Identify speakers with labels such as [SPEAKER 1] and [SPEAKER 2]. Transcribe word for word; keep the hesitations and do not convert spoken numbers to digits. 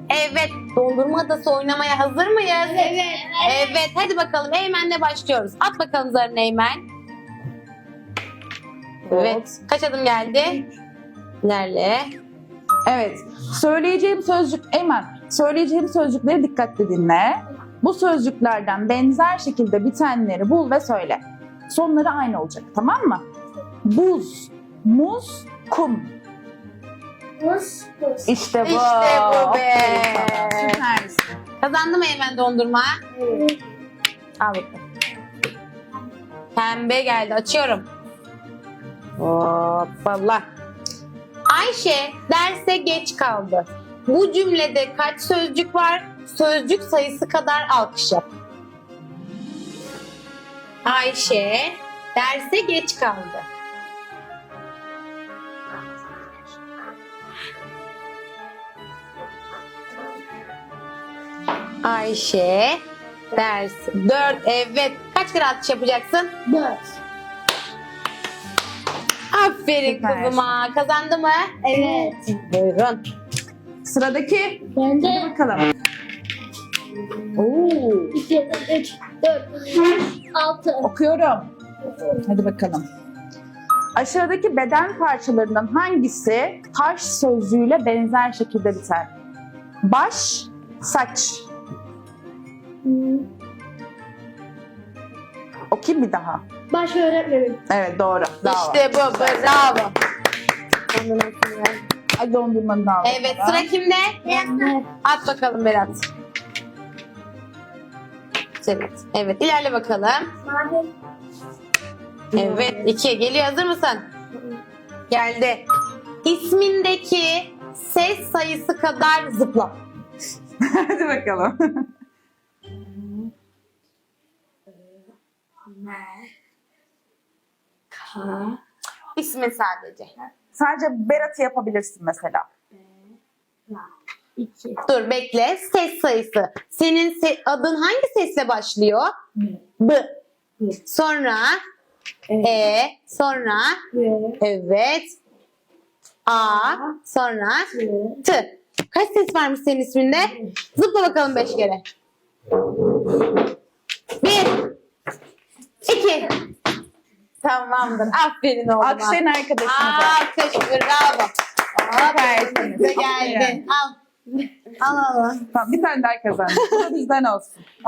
[SPEAKER 1] Evet. Dondurma adası oynamaya hazır mıyız?
[SPEAKER 2] Evet.
[SPEAKER 1] Evet. Hadi bakalım. Eymen'le başlıyoruz. At bakalım zarını Eymen. Evet. Kaç adım geldi? İlerle.
[SPEAKER 3] Evet. Söyleyeceğim sözcük, Eymen, söyleyeceğim sözcükleri dikkatli dinle. Bu sözcüklerden benzer şekilde bitenleri bul ve söyle. Sonları aynı olacak, tamam mı? Buz, muz, kum.
[SPEAKER 2] Buz, buz.
[SPEAKER 3] İşte bu.
[SPEAKER 1] İşte bu be.
[SPEAKER 3] Aferin sana. Süpersin.
[SPEAKER 1] Kazandı mı Eymen dondurma?
[SPEAKER 2] Evet.
[SPEAKER 1] Al bakalım. Pembe geldi. Açıyorum. Hoppala. Ayşe derse geç kaldı. Bu cümlede kaç sözcük var? Sözcük sayısı kadar alkış yap. Ayşe derse geç kaldı. Ayşe ders dört. Evet. Kaç kere atış yapacaksın?
[SPEAKER 2] Dört.
[SPEAKER 1] Aferin
[SPEAKER 3] Süper.
[SPEAKER 1] kızıma. Kazandı mı?
[SPEAKER 2] Evet.
[SPEAKER 1] Buyurun.
[SPEAKER 3] Sıradaki,
[SPEAKER 2] Ben
[SPEAKER 3] hadi
[SPEAKER 2] de
[SPEAKER 3] bakalım.
[SPEAKER 1] Oo.
[SPEAKER 2] iki, üç, dört, beş, altı.
[SPEAKER 3] Okuyorum. Hadi bakalım. Aşağıdaki beden parçalarından hangisi taş sözcüğüyle benzer şekilde biter? Baş, saç.
[SPEAKER 2] Hmm.
[SPEAKER 3] Okuyayım bir daha.
[SPEAKER 2] Baş öğretmenim.
[SPEAKER 3] Evet, doğru. Bravo.
[SPEAKER 1] İşte bu. Bravo.
[SPEAKER 3] Ay, dondurmanı da al.
[SPEAKER 1] Evet, sıra kimde?
[SPEAKER 2] Ben
[SPEAKER 1] At bakalım Berat. Evet, evet. İlerle bakalım.
[SPEAKER 2] Mavi.
[SPEAKER 1] Evet, iki. Geliyor. Hazır mısın? Geldi. İsmindeki ses sayısı kadar zıpla.
[SPEAKER 3] Hadi bakalım.
[SPEAKER 1] İsmi sadece.
[SPEAKER 3] Sadece Berat'ı yapabilirsin mesela.
[SPEAKER 2] İki.
[SPEAKER 1] Dur bekle. Ses sayısı. Senin se- adın hangi sesle başlıyor? B. Sonra E. Sonra
[SPEAKER 2] Ve.
[SPEAKER 1] evet. A. Sonra T. Kaç ses varmış senin isminde? Zıpla bakalım beş kere. Bir. İki. Tamamdır. Aferin oğlum.
[SPEAKER 3] Alkışlayın arkadaşınıza.
[SPEAKER 1] Alkış. Bravo. Aferin.
[SPEAKER 3] Süpersiniz.
[SPEAKER 1] Geldin. Al. Al al. al.
[SPEAKER 3] Tamam, bir tane daha kazandık. Bu da bizden olsun.